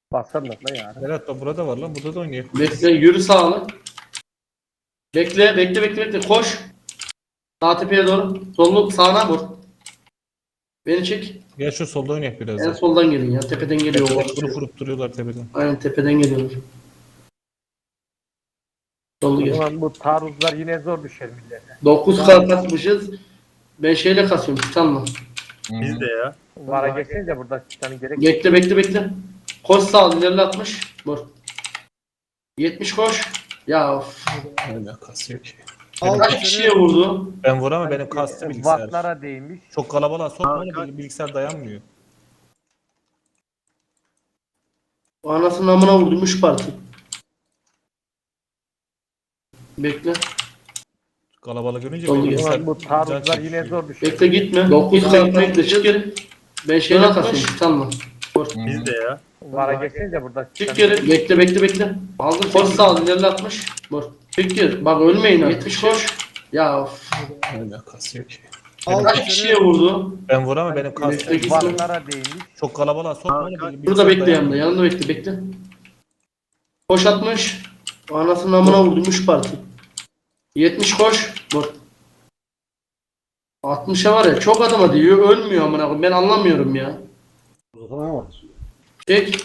Basarlar la yani. Berat da burada var lan. Burada da oynuyor. Bekle, yürü sağlı. Bekle. Koş. Sağ tepeye doğru. Sollu sağına vur. Beni çek. Gel şu solda oynayak biraz En da. soldan gelin ya. Tepeden geliyor. Kurup kurup duruyorlar tepeden. Aynen tepeden geliyorlar. Sollu O gel. zaman bu taarruzlar yine zor düşer millete. 9 kart atmışız. Ben şeyle kasıyorum. Titanla. Biz de ya. Vara geçsenize burada Titan'ın gerek yok. Bekle. Koş sağ ilerle 60. Vur. 70 koş. Ya of. Öyle kasıyor ki. Kaç kişiye vurdu? Ben vuramam benim kastı bilgisayar. Wattlara değmiş. Çok kalabalığa sokma bilgisayar dayanmıyor. O anasının amına vurdum 3 parti. Bekle. Kalabalık görünce Doğru. benim O bilgisayar zaman bu taarruzlar can yine çekişiyor. zor düşer. Bekle gitme. 9 kart bekle çık geri. Ben şeyle kasıyorum. Titanla. Biz de ya. Vara geçsenize burada Çık Titan'ın geri. Bekle. Aldım. Koş sağ ilerle 60. Vur. Çık geri. Bak ölmeyin ha. 70 koş. Ya of. Öyle kasıyor ki. Kaç kişiye vurdu? Ben vuramam benim Bekle, kastı gitme. bilgisayar. Wattlara değmiş. Çok kalabalığa sokma bilgisayar Burada bekle dayanmıyor. yanında bekle. Koş 60. O anasının amına vurdum 3 parti. 70 koş. Vur. 60'a var ya çok adama diyor ölmüyor amına koyayım. Ben anlamıyorum ya. Çek.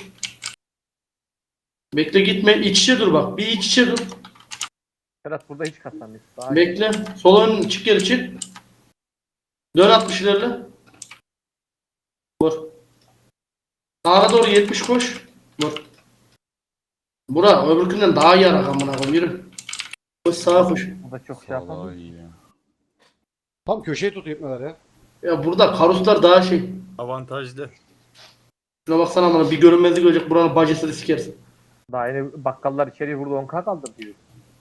Bekle gitme. İç içe dur bak. Bir iç içe dur. Berat burada hiç kasamıyor. Daha Bekle. Sol ön çık geri çık. Dön 60 ilerle. Vur. Sağa doğru 70 koş. Vur. Bura öbürkünden daha yarak amına koyayım yürü. Koş sağa koş. burada çok şey yapamıyor. Tam köşeye tut ipneler ya. Ya burada karuslar daha şey. Avantajlı. Şuna baksana amına bir görünmezlik olacak buranın bacasını sikersin. Daha yeni bakkallar içeriye vurdu 10k kaldı diyor.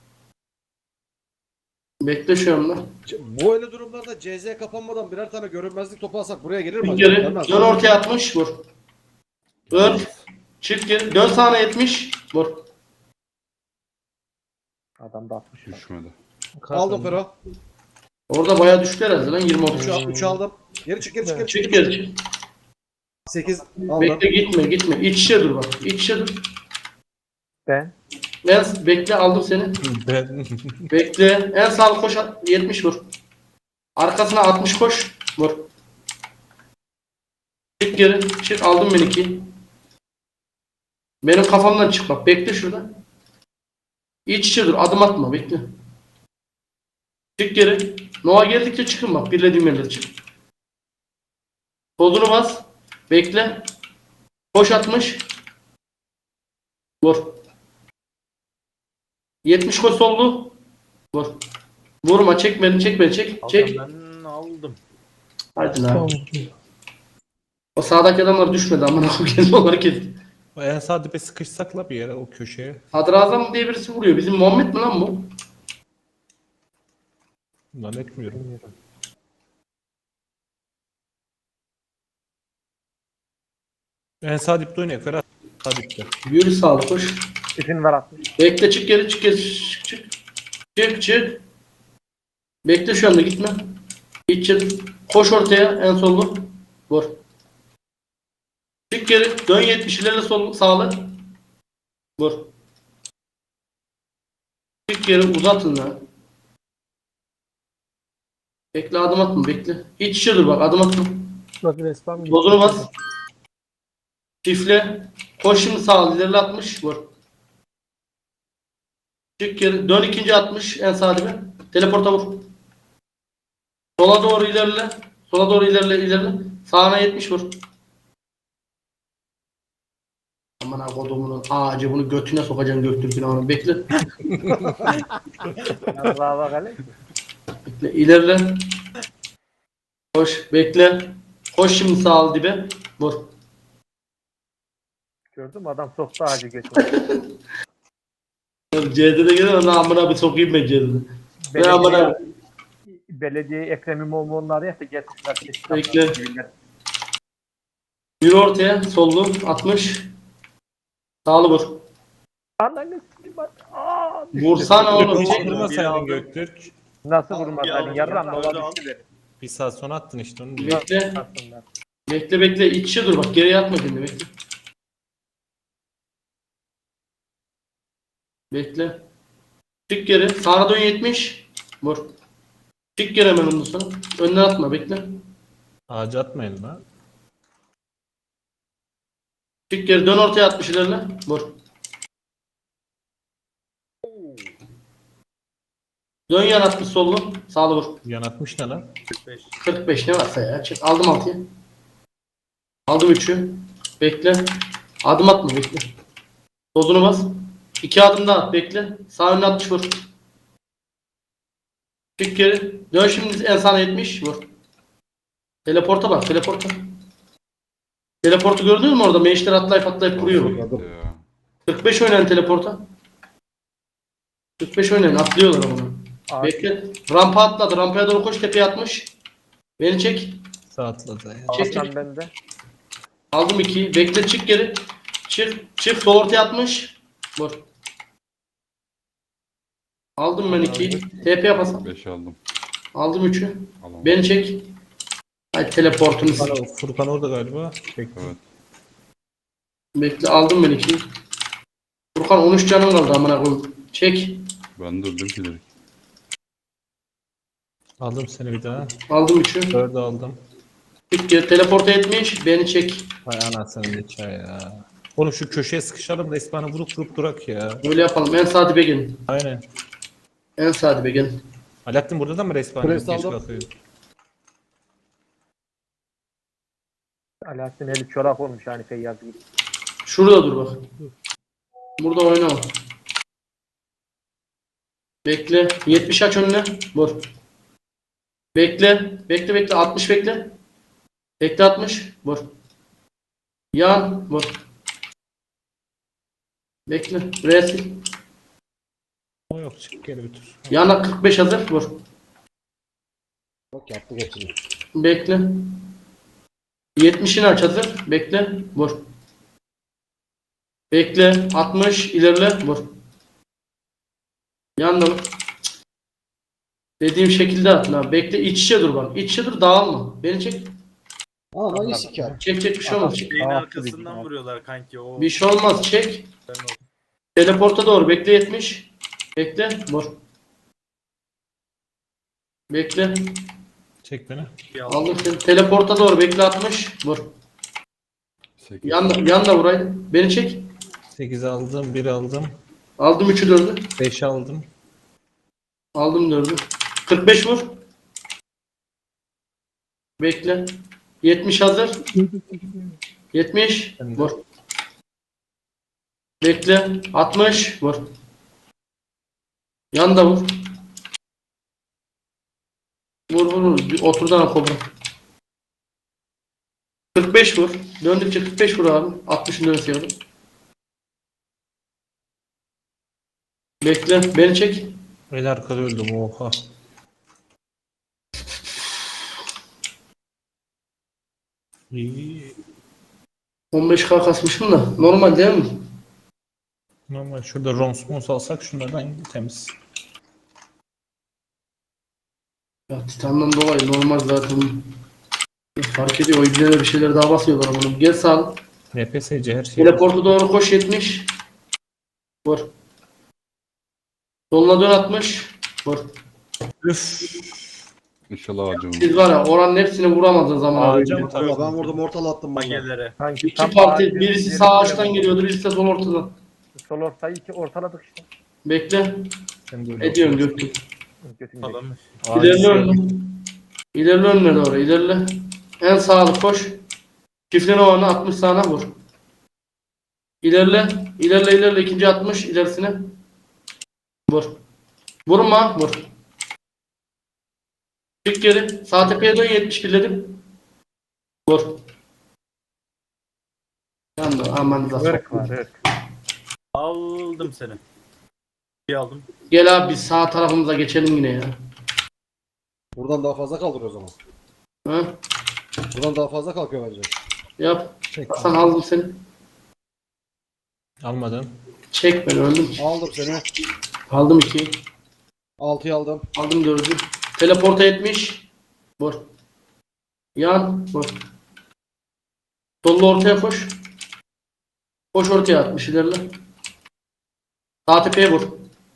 Bekle şu anda. Bu öyle durumlarda CZ kapanmadan birer tane görünmezlik topu alsak buraya gelir mi? Bir geri. Gelmez. Dön ortaya 60 vur. Dön. Çık geri. Dön sağına 70 vur. Adam da 60 var. Düşmedi. Aldım Fero. Orada bayağı düştü herhalde lan 20 30. 3'ü aldım. Geri çık geri çık. Çık geri çık. 8 aldım. Bekle gitme. İç içe dur bak. İç içe dur. Ben Bekle aldım seni. Ben Bekle. En sağ koş 70 vur. Arkasına 60 koş. Vur. Çık geri. Çık aldım beni 2. Benim kafamdan çık bak. Bekle şurada. İç içe dur. Adım atma. Bekle. Çık geri. Nova geldikçe çıkın bak. Birlediğim yerlere çık. Kodunu bas. Bekle. Koş 60. Vur. 70 koş sollu. Vur. Vurma çek beni çek. Çek. Ben aldım. Hadi lan. O sağdaki adamlar düşmedi amına koyayım kendi olarak kesti. en sağ dibe sıkışsak la bir yere o köşeye. Sadrazam diye birisi vuruyor. Bizim Muhammed mi lan bu? Lan etmiyorum. En sağ dipte oynayak Ferhat. Sağ dipte. Yürü sağlı koş. İfin var 60. Bekle çık geri çık. Bekle şu anda gitme. İç koş ortaya en sollu. Vur. Çık geri. Dön 70 ilerle sol sağlı. Vur. Çık geri uzatın lan. Bekle adım atma bekle. İç içe dur bak adım atma. Bak resmen Bozunu bas. Çifle. Koş şimdi sağ ilerle 60 vur. Çık geri. Dön ikinci 60 en sağ dibe. Teleporta vur. Sola doğru ilerle. Sağına 70 vur. Aman ha kodumunun ağacı bunu götüne sokacaksın Göktürk'ün onu bekle. Allah'a bak hele. Bekle ilerle. Koş bekle. Koş şimdi sağ dibe. Vur. Gördün mü adam soktu ağacı götürdü. C'de gelir ona amına bir sokayım ben C'de. Ben amına Belediye Ekrem İmamoğlu'nu arayıp da getirsinler. Bekle. Yürü ortaya sollu 60. Sağlı vur. Ananı s**eyim bak. Aa, düştü. Vursana oğlum. Hiç Çek. vurmasaydın Göktürk. Nasıl vurmaz? Bir Hani aldım, yarram bir dola aldım. düştü benim. Bir saat sonra attın işte onu. Bekle. Aslında. Bekle. İç içe dur bak. Geriye atma kendini bekle. Bekle. Çık geri. Sağına dön 70. Vur. Çık geri hemen ondan sonra. Önden atma bekle. Ağaca atmayın lan. Çık geri dön ortaya 60 ilerle. Vur. Dön yan 60 sollu. Sağlı vur. Yan atmış ne lan? 45. 45 ne varsa ya. Çık. Aldım 6'yı. Aldım 3'ü. Bekle. Adım atma bekle. Dozunu bas. 2 adım daha at bekle. Sağ önüne 60 vur. Çık geri. Dön şimdi en sağına 70 vur. Teleporta bak teleporta. Teleportu gördün mü orada? Meşler atlayıp vuruyor. 45 oynayan teleporta. 45 oynayan atlıyorlar onu. Abi, Bekle. Rampa atladı. Rampaya doğru koş tepeye atmış. Beni çek. Sağ atladı ya. Çek Hakan çek. bende. Aldım 2'yi. Bekle çık geri. Çık. Çık. Sol ortaya atmış. Vur. Aldım ben 2'yi. TP yapasam. 5 aldım. Aldım 3'ü. Alamam. Beni çek. Hadi teleportunu sil. Furkan orada galiba. Bekle. Evet. Bekle aldım ben 2'yi. Furkan 13 canım kaldı amına koyayım. Çek. Ben de öldüm ki direkt. Aldım seni bir daha. Aldım 3'ü. 4'ü aldım. Çık geri. Teleporta etmiş. Beni çek. Hay anasını ne çay ya. Oğlum şu köşeye sıkışalım da İspan'ı vurup durak ya. Öyle yapalım. En sağ dibe gelin. Aynen. En sağ dibe gelin. Alaaddin burada da mı respawn Press yok? Geç aldım. kalkıyor. Alaaddin eli çorak olmuş yani Feyyaz gibi. Şurada dur bak. Burada oynama. Bekle. 70 aç önüne. Vur. Bekle. Bekle bekle. 60 bekle. Bekle 60. Vur. Yan. Vur. Bekle. Resil. O yok çık geri bitir. Yana 45 hazır. Vur. Bak yaptı geçti. Bekle. 70'ini aç hazır. Bekle. Vur. Bekle. 60 ilerle. Vur. Yanda vur. Dediğim şekilde at lan. Bekle iç içe dur bak. İç içe dur dağılma. Beni çek. Aa lan iyi siker. Çek çek bir şey olmaz. Çek. Şeyin Aa, arkasından tabii. vuruyorlar kanki. O Bir şey olmaz. Çek. ben o- Teleporta doğru. Bekle 70. Bekle. Vur. Bekle. Çek beni. bir aldım. Aldım seni. Teleporta doğru. Bekle 60. Vur. 8. Yanda vuraydı. Beni çek. 8 aldım, 1 aldım, Aldım 3'ü 4'ü. 5 aldım. Aldım 4'ü. 45 vur. Bekle. 70 hazır. 70. Ben de. Vur. Bekle. 60. Vur. Yanda vur. Vur. Bir oturdan kobra. 45 vur. Döndükçe 45 vur abi. 60'ın dönüş yardım. Bekle. Beni çek. El arkada öldüm oha. İyi. 15k kasmışım da. Normal değil mi? Normal şurada Rons alsak şunlardan temiz. Ya Titan'dan dolayı normal zaten. Fark ediyor. O ibneler bir şeyler daha basıyorlar ama. Gel sağ. NPSC her şey. Teleporta doğru koş 70. Vur. Soluna dön 60. Vur. Üf. İnşallah acımım. Siz var ya oranın hepsini vuramadığınız zaman Ağaca abi. mı tabii? Ben vurdum ortala attım bana. Magelere. Sanki İki parti birisi sağ ağaçtan geliyordu birisi de sol ortadan. Sol ortayı iki ortaladık işte. Bekle. Sen de öyle Ediyorum yapıyorsun. Göktürk. Götünü Falan. İlerle önüne. İlerle önüne doğru ilerle. En sağlı koş. Çiftliğin olanı 60 sağına vur. İlerle. İlerle ikinci 60 ilerisine. Vur. Vurma vur. Çık geri. Sağ tepeye dön 70 birledim. Vur. Yandı aman da. Irk var ırk. Aldım seni. Bir aldım. Gel abi biz sağ tarafımıza geçelim yine ya. Buradan daha fazla kaldırıyor o zaman. Ha? Buradan daha fazla kalkıyor bence. Yap. Çek. Hasan aldım seni. Almadın. Çek beni öldüm. Aldım seni. Aldım 2'yi. 6'yı aldım. Aldım 4'ü. Teleporta etmiş. Vur. Yan. Vur. Sollu ortaya koş. Koş ortaya 60 ilerle. Sağ tepeye vur.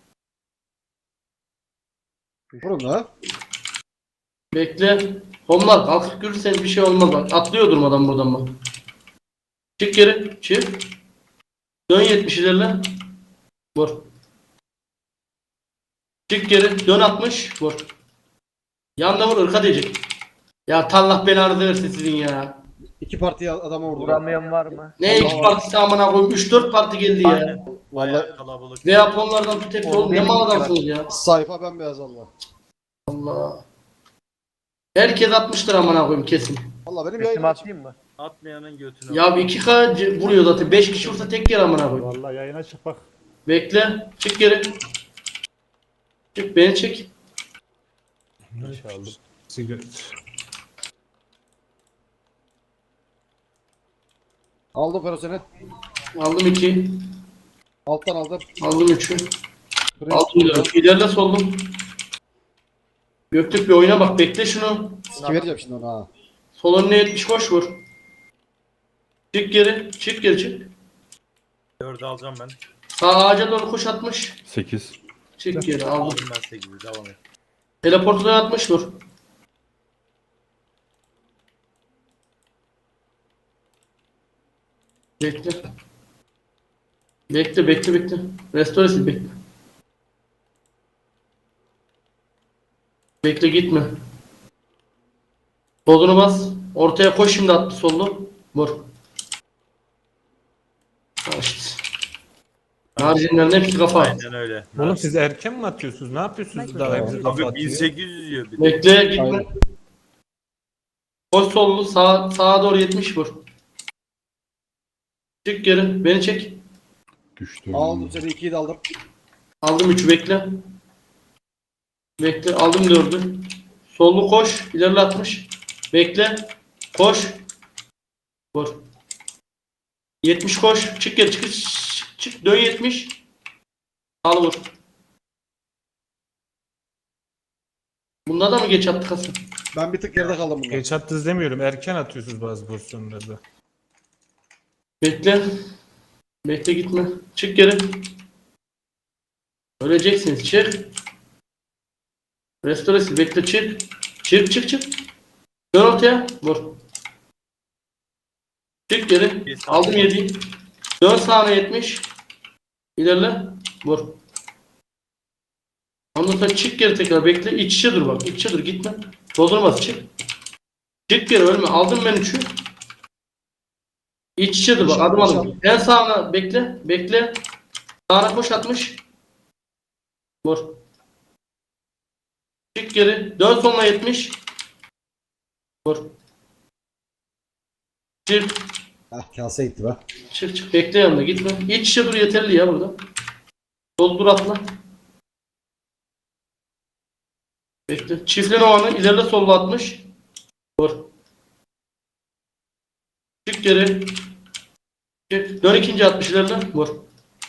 Vurun la. Bekle. Onlar kalkıp görürseniz bir şey olmaz bak. Atlıyor durmadan buradan bak. Çık geri. Çık. Dön 70 ilerle. Vur. Çık geri. Dön 60. Vur. Yanda vur. Irka diyecek. Ya Allah belanı versin sizin ya. İki parti adama vurdu. Vuramayan var mı? Ne iki partisi amına koyayım. 3-4 parti geldi ya. Aynen. Vallahi Bayağı kalabalık. Ve Japonlardan tut hepsi oğlum. Ne mal adamsınız ya. sayfa bembeyaz Allah. Allah. Herkes atmıştır amına koyayım kesin. Allah benim Resim yayınım açık. atayım mı? Atmayanın götünü. Ya 2K vuruyor zaten. 5 kişi vursa tek yer amına koyayım. Vallahi yayına çık bak. Bekle. Çık geri. Çık beni çek. İnşallah. Sigaret. Aldım Feroseni. Aldım 2. Alttan aldım. Aldım 3'ü. Pres. Aldım 4. İlerle soldum. Göktürk bir oyuna bak. Bekle şunu. Siki vereceğim şimdi ona ha. Sol önüne 70 koş vur. Çık geri. Çık geri çık. 4'ü alacağım ben. Sağ ağaca doğru koş 60. 8. Çık geri aldım. Aldım ben 8'i. Devam et. Teleportuna 60 vur. Bekle. Bekle. Restoresi bekle. Bekle gitme. Solunu bas. Ortaya koş şimdi attı sollu. Vur. Al işte. Haricinde hepsi kafa. Aynen öyle. Oğlum siz erken mi atıyorsunuz? Ne yapıyorsunuz daha hepsi kafa Abi atıyor? 1800 diyor bir de. Bekle gitme. Aynen. Koş sollu sağa doğru 70 vur. Çık geri. Beni çek. Güçlü. Aldım seni 2'yi de aldım. Aldım 3'ü bekle. Bekle aldım 4'ü. Sollu koş. İlerle 60. Bekle. Koş. Vur. 70 koş. Çık geri çık. Dön 70. Al vur. Bunda da mı geç attık Hasan? Ben bir tık geride kaldım bunda. Geç attınız demiyorum. Erken atıyorsunuz bazı pozisyonlarda. Bekle. Bekle gitme. Çık geri. Öleceksiniz. Çık. Restoresi bekle çık. Çık. Dön ortaya. Vur. Çık geri. Aldım 7'yi. Dön sağına 70. İlerle. Vur. Ondan sonra çık geri tekrar bekle. İç içe dur bak. İç içe dur gitme. Doldurmaz çık. Çık geri ölme. Aldım ben 3'ü. İç içe dur bak. Adım adım. En sağına bekle. Bekle. Sağına koş 60. Vur. Çık geri. Dön sonuna 70. Vur. Çık. Heh kase gitti be. Çık. Bekle yanına gitme. İç içe dur yeterli ya burada. Doldur atla. Bekle. Çiftlen ovanı ileride solda 60. Vur. Çık geri. Çık. Dön ikinci 60 ileride. Vur.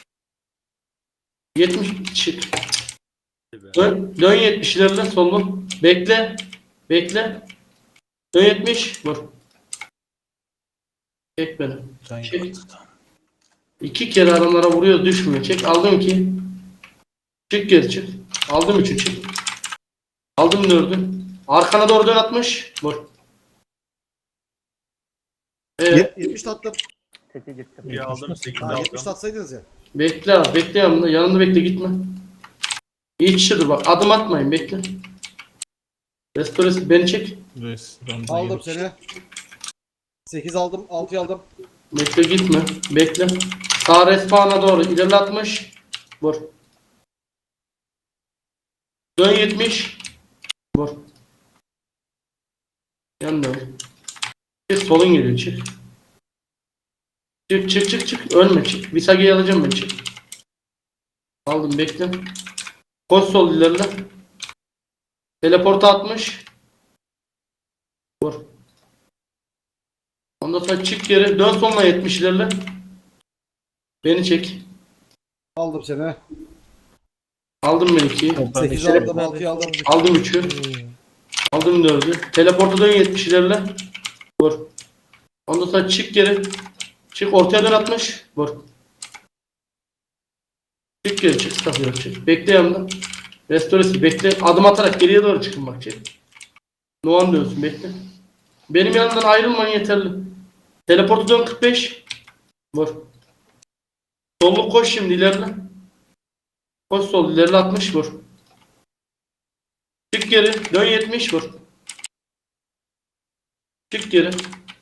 70 çık. Dön 70 ileride sollu. Bekle. Dön 70 vur. Çek beni. Çek. 2 kere adamlara vuruyor düşmüyor. Çek aldım 2. Çık geri çık. Aldım 3'ü çık. Aldım 4'ü. Arkana doğru dön 60. Vur. Evet. 70 tattım. Teke gittim. Bir aldım 8 Ha, 70 aldım. tatsaydınız ya. Bekle abi. Bekle yanında. Yanında bekle gitme. İç içe dur bak. Adım atmayın. Bekle. Restoresi beni çek. Aldım seni. 8 aldım. 6'yı aldım. Bekle gitme. Bekle. Sağ respawn'a doğru ilerle 60. Vur. Dön 70. Vur. Yan dön. Çık solun geliyor çık. Çık. Ölme çık. Visage'yi alacağım ben çık. Aldım bekle. Koş sol ilerle. Teleporta 60. Vur. Ondan sonra çık geri. Dön sonuna 70 ilerle. Beni çek. Aldım seni. Aldım ben 2'yi. 8 aldım. 6'yı aldım. Aldım 3'ü. Aldım 4'ü. Teleporta dön 70 ilerle. Vur. Ondan sonra çık geri. Çık ortaya dön 60. Vur. Çık geri çık. Stafıyor çık. Bekle yanında. Restoresi bekle. Adım atarak geriye doğru çıkın bak çek. Noan diyorsun bekle. Benim yanımdan ayrılman yeterli. Teleportu dön 45. Vur. Solluk koş şimdi ilerle. Koş sol ilerle 60 vur. Çık geri. Dön 70 vur. Çık geri.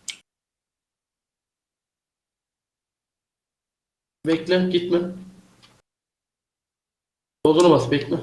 Bekle gitme. Soluna bas bekle.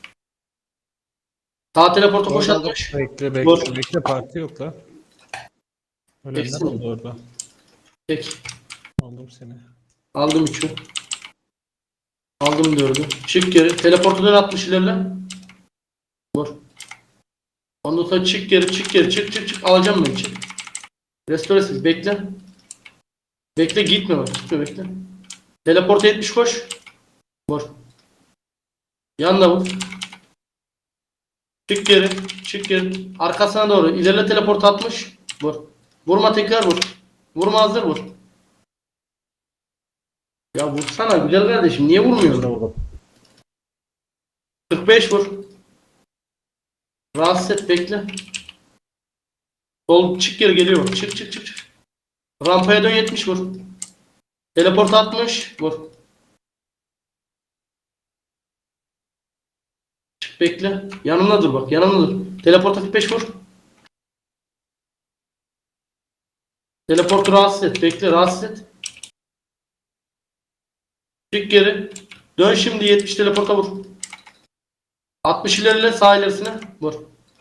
Sağ teleporta koş Aldım. 60. Bekle Vur. bekle bekle, parti yok la. Ölenler Hepsi mi? oldu orada. Peki. Aldım seni. Aldım 3'ü. Aldım 4'ü. Çık geri. Teleportu dön 60 ilerle. Vur. Ondan sonra çık geri çık geri çık çık çık. Alacağım ben çık. Restoresiz bekle. Bekle gitme bak gitme bekle. Teleporta 70 koş. Vur. Yanına vur. Çık geri. Çık geri. Arkasına doğru. İlerle teleport 60. Vur. Vurma tekrar vur. Vurma hazır vur. Ya vursana güzel kardeşim. Niye vurmuyorsun? 45 vur. Rahatsız et bekle. Sol çık geri geliyor. Çık çık çık çık. Rampaya dön 70 vur. Teleport 60 vur. Çık bekle. Yanımda dur bak. Yanımda dur. Teleport 45 vur. Teleportu rahatsız et. Bekle rahatsız et. Çık geri. Dön şimdi 70 teleporta vur. 60 ilerle sağ ilerisine vur.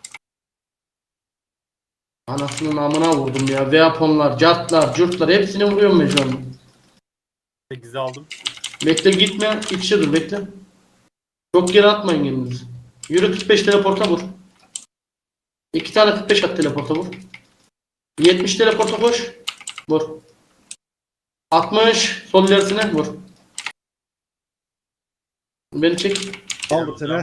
Anasının amına vurdum ya. Veaponlar, cartlar, curtlar hepsini vuruyorum mecburen. 8'i aldım. Bekle gitme. İç içe dur bekle. Çok geri atmayın kendinizi. Yürü 45 teleporta vur. 2 tane 45 at teleporta vur. 70 teleporta koş. Vur. 60 sol ilerisine vur. Beni çek. Aldım seni.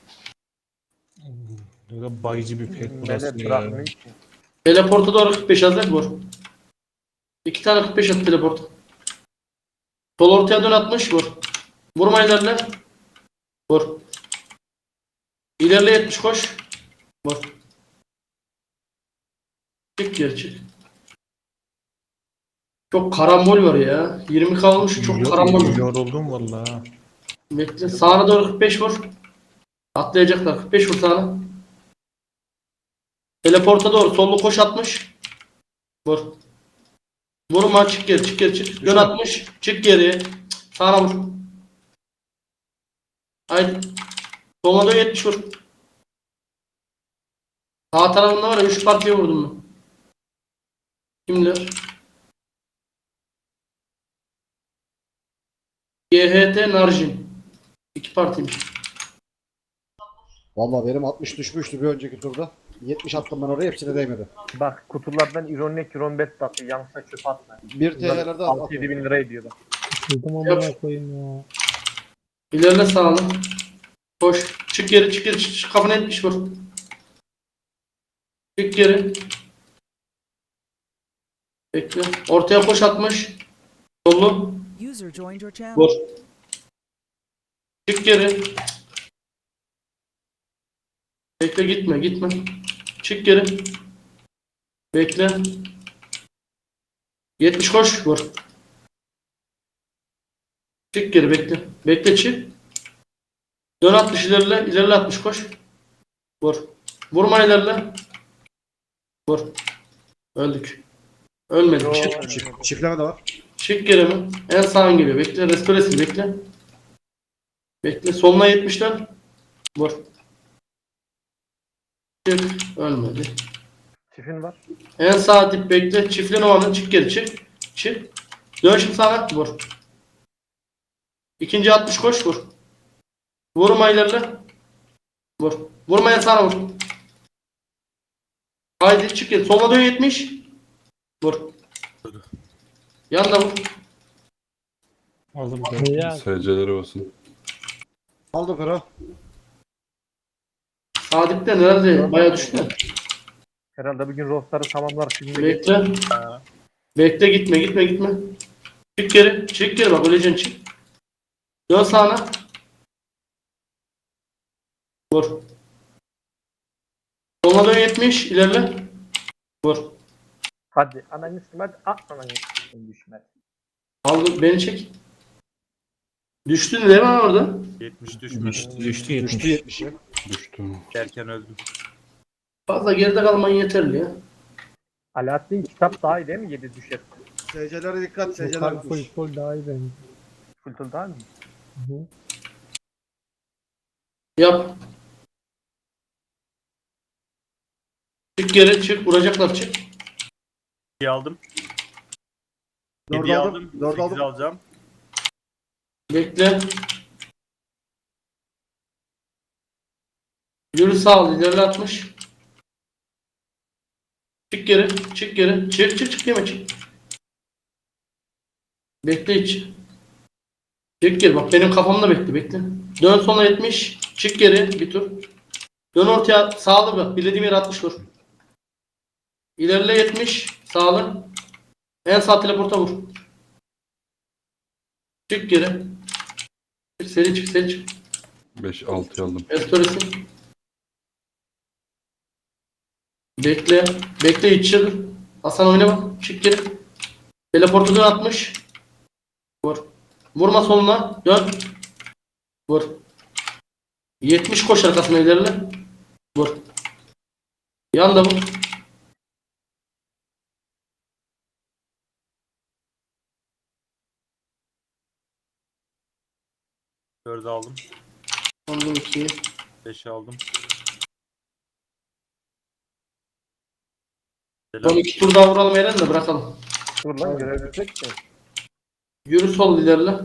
Böyle bayıcı bir pek burası Melek ya. bırakmıyor ki. Teleporta doğru 45 hazır vur. 2 tane 45 at teleporta. Sol ortaya dön 60 vur. Vurma ilerle. Vur. İlerle 70 koş. Vur. Çık geri çık. Çok karambol var ya. 20 kalmış çok karambol var. Yoruldum valla. Bekle. Sağına doğru 45 vur. Atlayacaklar. 45 vur sağına. Teleporta doğru. Sollu koş 60. Vur. Vurma çık geri çık geri çık. Dön 60. Çık geri. Sağına vur. Haydi. Soluna dön 70 vur. Sağ tarafında var ya 3 partiye vurdum ben. Kimler? GHT Narjin. 2 partiymiş. Valla benim 60 düşmüştü bir önceki turda. 70 attım ben oraya hepsine değmedi. Bak kutulardan ironik iron bet atıyor. Yanlışlıkla çöpe atma. 1 TL'lerde 6-7 bin lira ediyor bak. Yap. İlerle sağına. Koş. Çık geri çık geri çık. Kafana 70 vur. Çık geri. Bekle. Ortaya koş 60. Sollu. User joined your channel. Vur. Çık geri. Bekle gitme gitme. Çık geri. Bekle. 70 koş vur. Çık geri bekle. Bekle çık. Dön 60 ilerle. İlerle 60 koş. Vur. Vurma ilerle. Vur. Öldük. Ölmedik. Çık. Çiftleme de var. Çık geri mi? En sağın geliyor. Bekle. Restoresi bekle. Bekle. Soluna 70'ler. Vur. Çık. Ölmedi. Çifin var. En sağ dip bekle. Çiftlen o anda. Çık geri çık. Çık. Dön şimdi sağa. Vur. İkinci 60 koş vur. Vurma ilerle. Vur. Vurmaya sana vur. Haydi çık geri. Soluna dön 70. Vur. Yanına vur. Aldım. SC'leri olsun. Aldım Fero. Sağ dipten herhalde bayağı düştü. Herhalde bugün roster'ı tamamlar. Şimdi Bekle. Bekle gitme gitme gitme. Çık geri. Çık geri bak öleceksin çık. Dön sağına. Vur. Soluna dön 70. İlerle. Vur. Hadi ananı hadi at ananı düşmez. Aldım. Beni çek. Düştün değil mi orada? 70 düşmüş. Düştü 70. Düştü 70. Düştü. Derken öldüm. Fazla geride kalman yeterli ya. Alaaddin kitap daha iyi değil mi? 7 düşer. SC'lere dikkat. SC'ler kuş. Full daha iyi bence. Fultul daha mı? Yap. Çık geri çık. Vuracaklar çık. 2 aldım. 4 7'yi aldım. aldım. 4 8'i aldım. alacağım. Bekle. Yürü sağ ol. İlerle 60. Çık geri. Çık geri. Çık çık çık. Yeme çık. Bekle hiç. Çık geri. Bak benim kafamda bekle. Bekle. Dön sonra 70. Çık geri. Bir tur. Dön ortaya. Sağlı bak. Bilediğim yere 60 vur. İlerle 70. Sağlı. En sağ teleporta vur. Çık geri. Çık seri çık seri çık. 5-6 aldım. Estorisi. Bekle. Bekle hiç çık. Hasan oyna bak. Çık geri. Teleportu dön 60. Vur. Vurma soluna. Dön. Vur. 70 koş arkasına ilerle. Vur. Yanda vur. Dördü aldım. Aldım 2'yi. 5'i aldım. Son 2 tur daha vuralım Eren de bırakalım. Dur lan görebilecek mi? Yürü sol ilerle.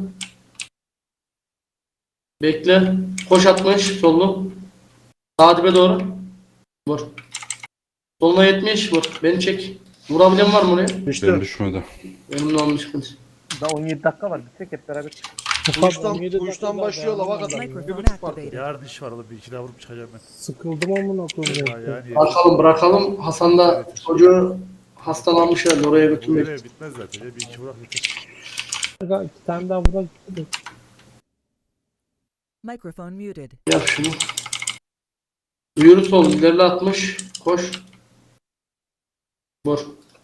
Bekle. Koş 60 sollu. Sağ dibe doğru. Vur. Soluna 70 vur. Beni çek. Vurabilen var mı oraya? Ben Düştü. düşmedi. Benim de olmuş sıkıntı. Daha 17 dakika var. Bitsek hep beraber. Kuştan başlıyor lava kadar. Microphone 1,5 fark. activated. Yarın iş var oğlum. Bir iki daha vurup çıkacağım ben. Sıkıldım amına koyayım. Yani Bırakalım. Hasan da çocuğu hastalanmış herhalde oraya bu götürmek. görev bitmez zaten. Ya. Bir iki vurak yeter. İki tane daha vurak. Microphone muted. Yap şunu. Yürü sol ilerle 60. Koş. Vur.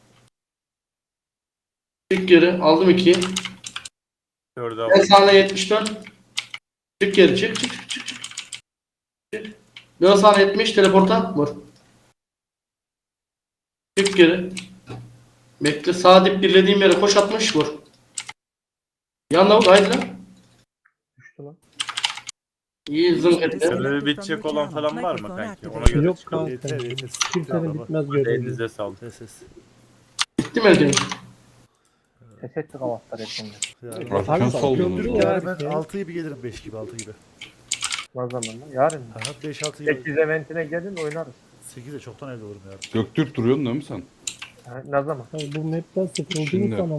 Çık geri. Aldım 2'yi. 4'ü En aldım. sağına 74. Çık geri çık çık çık çık. Çık. Dön sağına 70 teleporta. Vur. Çık geri. Bekle sağ dip birlediğim yere koş 60 vur. Yanına vur haydi lan. Düştü lan. İyi zınk etti. Sebebi bitecek olan falan var mı kanki? Ona göre Yok çıkalım. kanka. Yeter yeter. Kimsenin bitmez görevi. Elinize sağlık. Ses. Bitti mi Ercan? Ses ettik havalar hepsinde. Yani, Arkan saldınız. Ya. ben 6 gibi gelirim 5 gibi 6 gibi. Ne zaman lan? Yarın mı? Aha 5-6 gibi. 8 eventine gelin oynarız. 8'de çoktan evde olurum yarın. Göktürk duruyorsun değil mi sen? Ha, ne zaman? Bu map'ten sıkıldığım Şimdi. zaman